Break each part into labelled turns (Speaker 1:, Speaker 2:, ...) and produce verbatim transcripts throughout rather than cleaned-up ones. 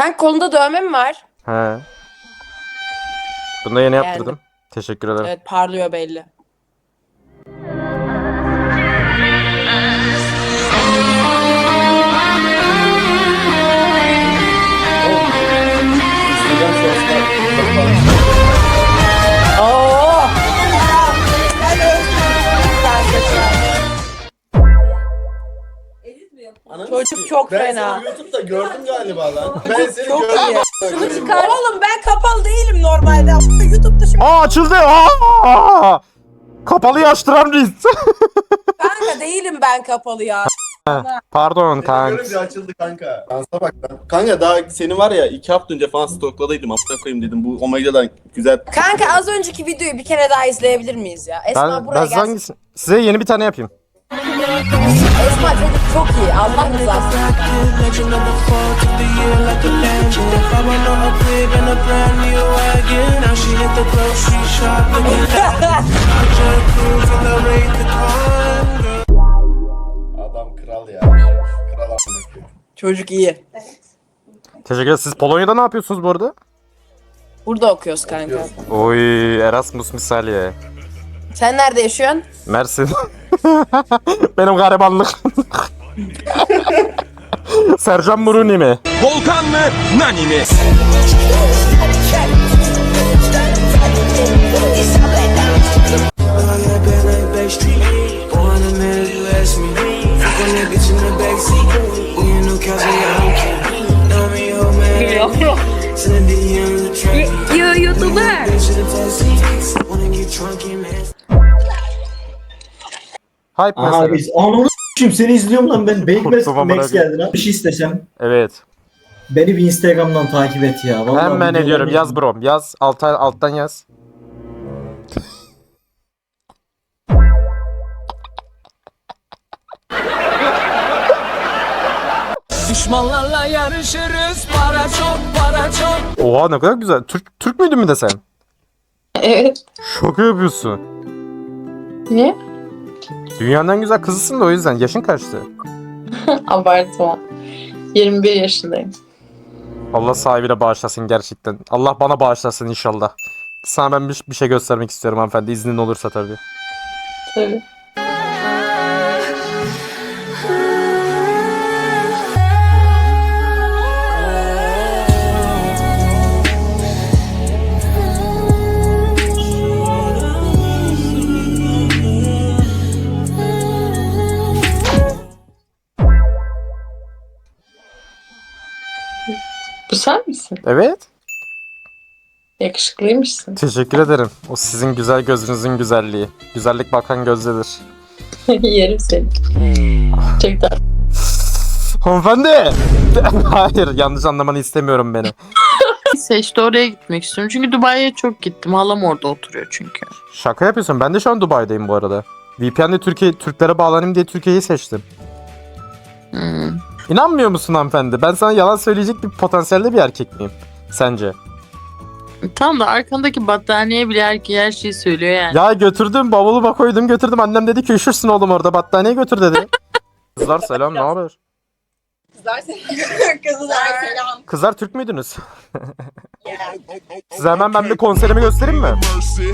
Speaker 1: Kanka kolunda dövme mi var?
Speaker 2: He. Bunu da yeni
Speaker 1: Yani.
Speaker 2: yaptırdım. Teşekkür ederim.
Speaker 1: Evet, parlıyor belli. Oo! Çocuk çok
Speaker 3: ben
Speaker 1: fena.
Speaker 3: seni YouTube'da gördüm galiba lan. Ben seni
Speaker 1: Çok
Speaker 3: gördüm.
Speaker 1: iyi. Şunu çıkar. Oğlum ben kapalı değilim normalde. YouTube'da şimdi.
Speaker 2: Aa açıldı. Aa! Kapalıyı açtıran reis.
Speaker 1: Kanka değilim ben kapalı ya.
Speaker 2: Pardon
Speaker 3: Seni
Speaker 2: kanka.
Speaker 3: görünce açıldı kanka. Dansa bak lan. Kanka daha seni var ya iki hafta önce falan stokladıydım. Amına koyayım dedim. Bu Omega'dan güzel.
Speaker 1: Kanka az önceki videoyu bir kere daha izleyebilir miyiz ya? Esma
Speaker 2: Ben,
Speaker 1: buraya
Speaker 2: ben size
Speaker 1: gelsin.
Speaker 2: hangisini? Size yeni bir tane yapayım.
Speaker 1: Esma çocuk çok iyi. Allah rızası.
Speaker 3: Adam kral ya. Kral amına koyayım.
Speaker 1: Çocuk iyi.
Speaker 2: Teşekkür ederim. Siz Polonya'da ne yapıyorsunuz bu arada?
Speaker 1: Burada okuyoruz kanka.
Speaker 2: Oy Erasmus misali.
Speaker 1: Sen nerede yaşıyorsun?
Speaker 2: Mersin. Benim garibanlık. Sercan Muruni mi?
Speaker 4: Volkan mı? Nani mi?
Speaker 5: YouTuber.
Speaker 2: Hype
Speaker 6: Aha
Speaker 2: mesela.
Speaker 6: biz ananı s**eyim seni izliyorum lan ben. Beyik
Speaker 2: Korktum amına
Speaker 6: Max
Speaker 2: koyayım.
Speaker 6: geldi lan. Bir şey istesem.
Speaker 2: Evet.
Speaker 6: Beni bir Instagram'dan takip et ya. Vallahi
Speaker 2: Hemen
Speaker 6: videolarını-
Speaker 2: ediyorum. Yaz brom. Yaz. Alta, alttan yaz.
Speaker 4: Düşmanlarla yarışırız. Para çok, para çok.
Speaker 2: Oha ne kadar güzel. Türk Türk müydün mü de sen?
Speaker 5: Evet.
Speaker 2: Şaka yapıyorsun.
Speaker 5: Niye?
Speaker 2: Dünyanın en güzel kızısın da o yüzden. Yaşın kaçtı?
Speaker 5: Abartma. yirmi bir yaşındayım.
Speaker 2: Allah sahibine bağışlasın gerçekten. Allah bana bağışlasın inşallah. Sana ben bir, bir şey göstermek istiyorum hanımefendi. İznin olursa tabii.
Speaker 5: Tabii. Bu sen misin?
Speaker 2: Evet.
Speaker 5: Yakışıklıymışsın.
Speaker 2: Teşekkür ederim. O sizin güzel gözünüzün güzelliği. Güzellik bakan gözdedir.
Speaker 5: Yerim seni. Çok tatlı.
Speaker 2: Hanımefendi! Hayır yanlış anlamanı istemiyorum beni.
Speaker 5: Neyse işte oraya gitmek istiyorum. Çünkü Dubai'ye çok gittim. Halam orada oturuyor çünkü.
Speaker 2: Şaka yapıyorsun. Ben de şu an Dubai'deyim bu arada. V P N'le Türkiye, Türklere bağlanayım diye Türkiye'yi seçtim.
Speaker 5: Hmm.
Speaker 2: İnanmıyor musun hanımefendi? Ben sana yalan söyleyecek bir potansiyelde bir erkek miyim? Sence?
Speaker 5: Tamam da arkandaki battaniye bile her, her şeyi söylüyor yani.
Speaker 2: Ya götürdüm bavuluma koydum götürdüm. Annem dedi ki üşürsün oğlum orada battaniye götür dedi. Kızlar selam ne haber?
Speaker 1: Kızlar selam. Kızlar selam.
Speaker 2: Kızlar Türk müydünüz? Size hemen ben bir konserimi göstereyim mi?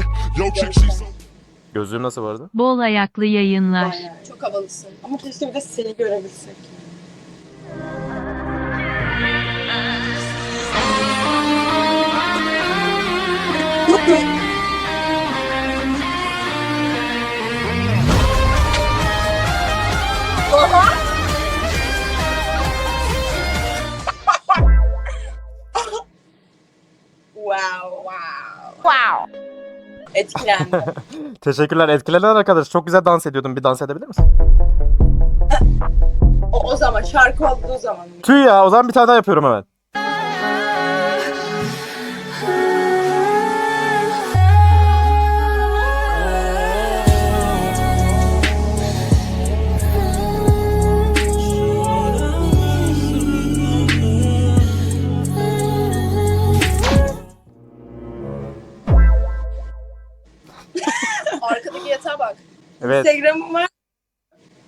Speaker 2: Gözlüğüm nasıl vardı?
Speaker 7: Bol ayaklı yayınlar.
Speaker 1: Çok havalısın. Ama keşke bir de seni görebilsek. Wow, wow. Wow. Etkilendim.
Speaker 2: Teşekkürler. Etkilenen arkadaş. Çok güzel dans ediyordun. Bir dans edebilir misin?
Speaker 1: o, o zaman şarkı olduğu zaman.
Speaker 2: Tüy ya. O zaman bir tane daha yapıyorum hemen.
Speaker 1: Arkadaki yatağa bak.
Speaker 2: Evet.
Speaker 1: Instagram'ım var.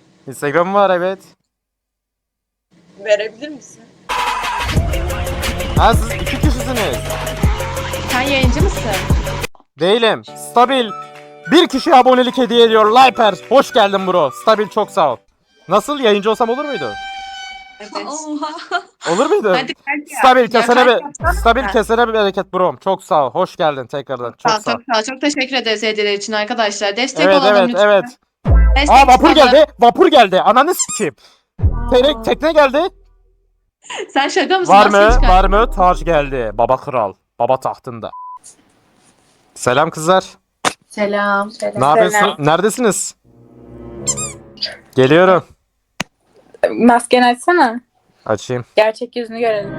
Speaker 2: Instagram'ım var evet.
Speaker 1: Verebilir misin?
Speaker 2: Ha siz iki kişisiniz.
Speaker 7: Sen yayıncı mısın?
Speaker 2: Değilim. Stabil. Bir kişi abonelik hediye ediyor. Liper. Hoş geldin bro. Stabil çok sağ ol. Nasıl yayıncı olsam olur muydu?
Speaker 7: Evet.
Speaker 2: Olur muydu?
Speaker 7: Hadi hadi.
Speaker 2: Stabil
Speaker 7: Ya,
Speaker 2: kesene
Speaker 7: kalp
Speaker 2: bir
Speaker 7: yapsana.
Speaker 2: stabil kesene bir bereket brom. Çok sağ ol. Hoş geldin tekrardan. Çok
Speaker 7: Sağ ol,
Speaker 2: sağ ol.
Speaker 7: çok sağ ol. Çok teşekkür ederiz hediyeler için arkadaşlar. Destek
Speaker 2: Evet
Speaker 7: olalım
Speaker 2: evet
Speaker 7: lütfen.
Speaker 2: evet.
Speaker 7: Destek
Speaker 2: Aa vapur
Speaker 7: çıkalım.
Speaker 2: geldi. Vapur geldi. Ananı sikeyim. Te- tekne geldi.
Speaker 7: Sen şaka mısın?
Speaker 2: Var
Speaker 7: Maskeyi
Speaker 2: mı?
Speaker 7: çıkar.
Speaker 2: Var mı? Taç geldi. Baba kral. Baba tahtında. Selam kızlar.
Speaker 7: Selam.
Speaker 2: Ne yapıyorsun? Neredesiniz? Geliyorum.
Speaker 8: Maskeni açsana.
Speaker 2: Açayım.
Speaker 8: Gerçek yüzünü görelim.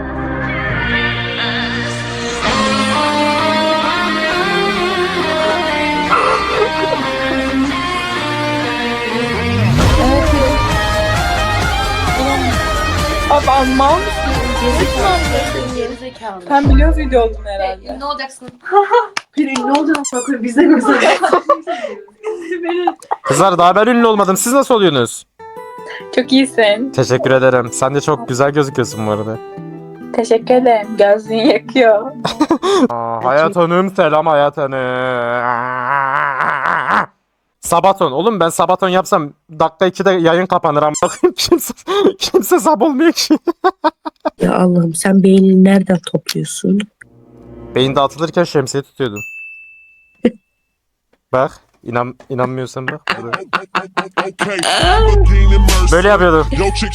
Speaker 8: Evet. Abi anlam mısın? Gerizekalı. Sen biliyorsun video olduğunu herhalde.
Speaker 7: Ne olacaksın?
Speaker 8: Bir ünlü olacaksın. Biz de göstereceğiz.
Speaker 2: Kızlar daha ben ünlü olmadım. Siz nasıl oluyorsunuz?
Speaker 8: Çok iyisin.
Speaker 2: Teşekkür ederim. Sen de çok güzel gözüküyorsun bu arada.
Speaker 8: Teşekkür ederim. Gözlüğün yakıyor.
Speaker 2: Aa, Hayat Hanım selam Hayat Hanım. Sabaton. Oğlum ben Sabaton yapsam dakika ikide yayın kapanır ama bakayım kimse, kimse sab olmuyor ki.
Speaker 9: Ya Allah'ım sen beynini nereden topluyorsun?
Speaker 2: Beyin dağıtılırken şemsiye tutuyordum. Bak. İnan, inanmıyorsan bak. Burada. Böyle yapıyordum.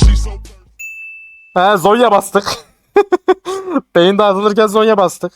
Speaker 2: He Zonya bastık. Beyin dağıtılırken Zonya bastık.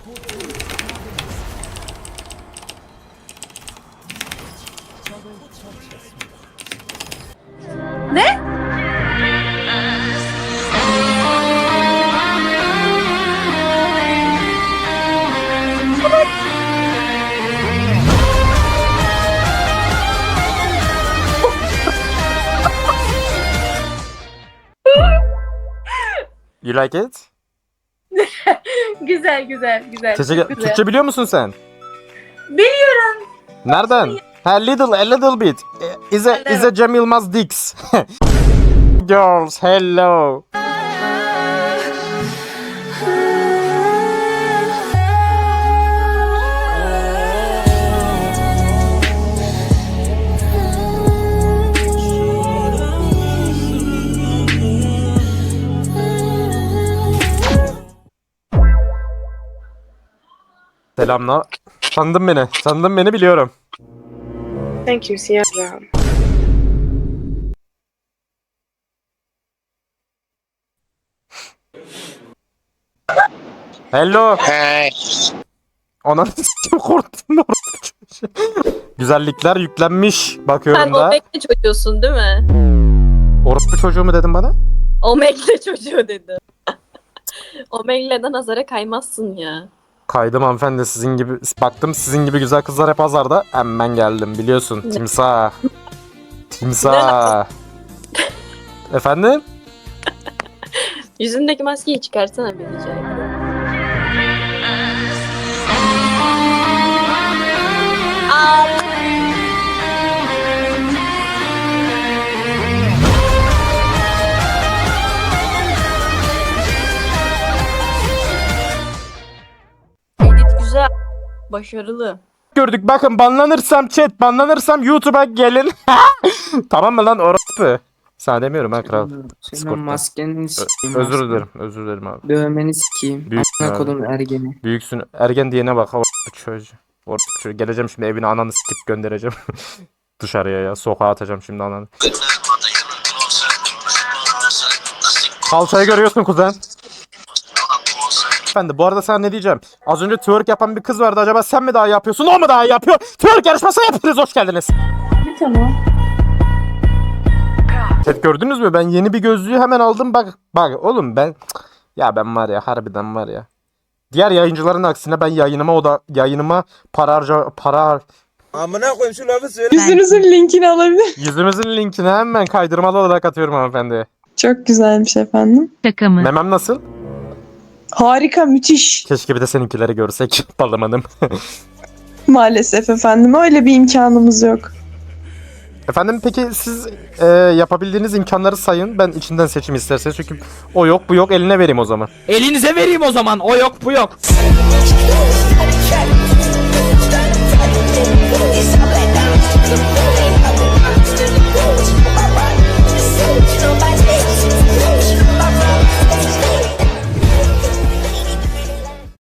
Speaker 2: You like it?
Speaker 8: Güzel güzel güzel.
Speaker 2: Teşekkür.
Speaker 8: Çok güzel.
Speaker 2: Türkçe biliyor musun sen?
Speaker 8: Biliyorum.
Speaker 2: Nereden? Ha little, a little bit. Is a, is a Cem Yılmaz Dix. Girls, hello. Selamlar. Tanıdın beni. Tanıdın beni biliyorum.
Speaker 9: Thank you Sierra.
Speaker 2: Hello.
Speaker 10: Hey.
Speaker 2: Ona s**tim korktum da orospu çocuğu. Güzellikler yüklenmiş. Bakıyorum
Speaker 11: Sen
Speaker 2: da.
Speaker 11: Omegle çocuğusun değil mi?
Speaker 2: Orospu çocuğu mu dedin bana?
Speaker 11: Omegle çocuğu dedi. Omegle'den nazara kaymazsın ya.
Speaker 2: Kaydım hanımefendi sizin gibi. Baktım sizin gibi güzel kızlar hep pazarda. Hemen geldim biliyorsun. Timsah. Timsah. Efendim?
Speaker 11: Yüzündeki maskeyi çıkarsana bir rica ediyorum. Edit güzel. Başarılı.
Speaker 2: Gördük bakın banlanırsam chat banlanırsam YouTube'a gelin. Tamam mı lan orospu? Sana demiyorum ha kral.
Speaker 9: Senin
Speaker 2: Discord'da.
Speaker 9: maskeni sikeyim.
Speaker 2: Özür
Speaker 9: maskeni.
Speaker 2: dilerim. Özür dilerim abi.
Speaker 9: Dövmeni sikeyim.
Speaker 2: Büyük
Speaker 9: Amına
Speaker 2: abi.
Speaker 9: kodum ergeni.
Speaker 2: Büyüksün. Ergen diyene bak. Orospu çocuğu. Orospu çocuğu. Geleceğim şimdi evine ananı sikip göndereceğim. Dışarıya ya. Sokağa atacağım şimdi ananı. Kalçayı görüyorsun kuzen. Efendim bu arada sana ne diyeceğim? Az önce twerk yapan bir kız vardı. Acaba sen mi daha iyi yapıyorsun? O mu daha iyi yapıyor? Twerk yarışması yapıyoruz. Hoş geldiniz.
Speaker 8: Tamam.
Speaker 2: Chat gördünüz mü? Ben yeni bir gözlüğü hemen aldım. Bak bak oğlum ben ya ben var ya harbiden var ya. Diğer yayıncıların aksine ben yayınıma o da yayınıma para harca para har-
Speaker 4: Amına koyayım şu lafı söyle.
Speaker 7: Yüzünüzün linkini alabilir.
Speaker 2: yüzümüzün linkini hemen kaydırmalı olarak atıyorum hanımefendi.
Speaker 7: Çok güzelmiş efendim.
Speaker 8: Şaka mı?
Speaker 2: Memem nasıl?
Speaker 7: Harika, müthiş.
Speaker 2: Keşke bir de seninkileri görsek. Balım hanım.
Speaker 7: Maalesef efendim öyle bir imkanımız yok.
Speaker 2: Efendim peki siz e, yapabildiğiniz imkanları sayın. Ben içinden seçim isterseniz. Çünkü o yok bu yok eline vereyim o zaman.
Speaker 10: Elinize vereyim o zaman. O yok bu yok.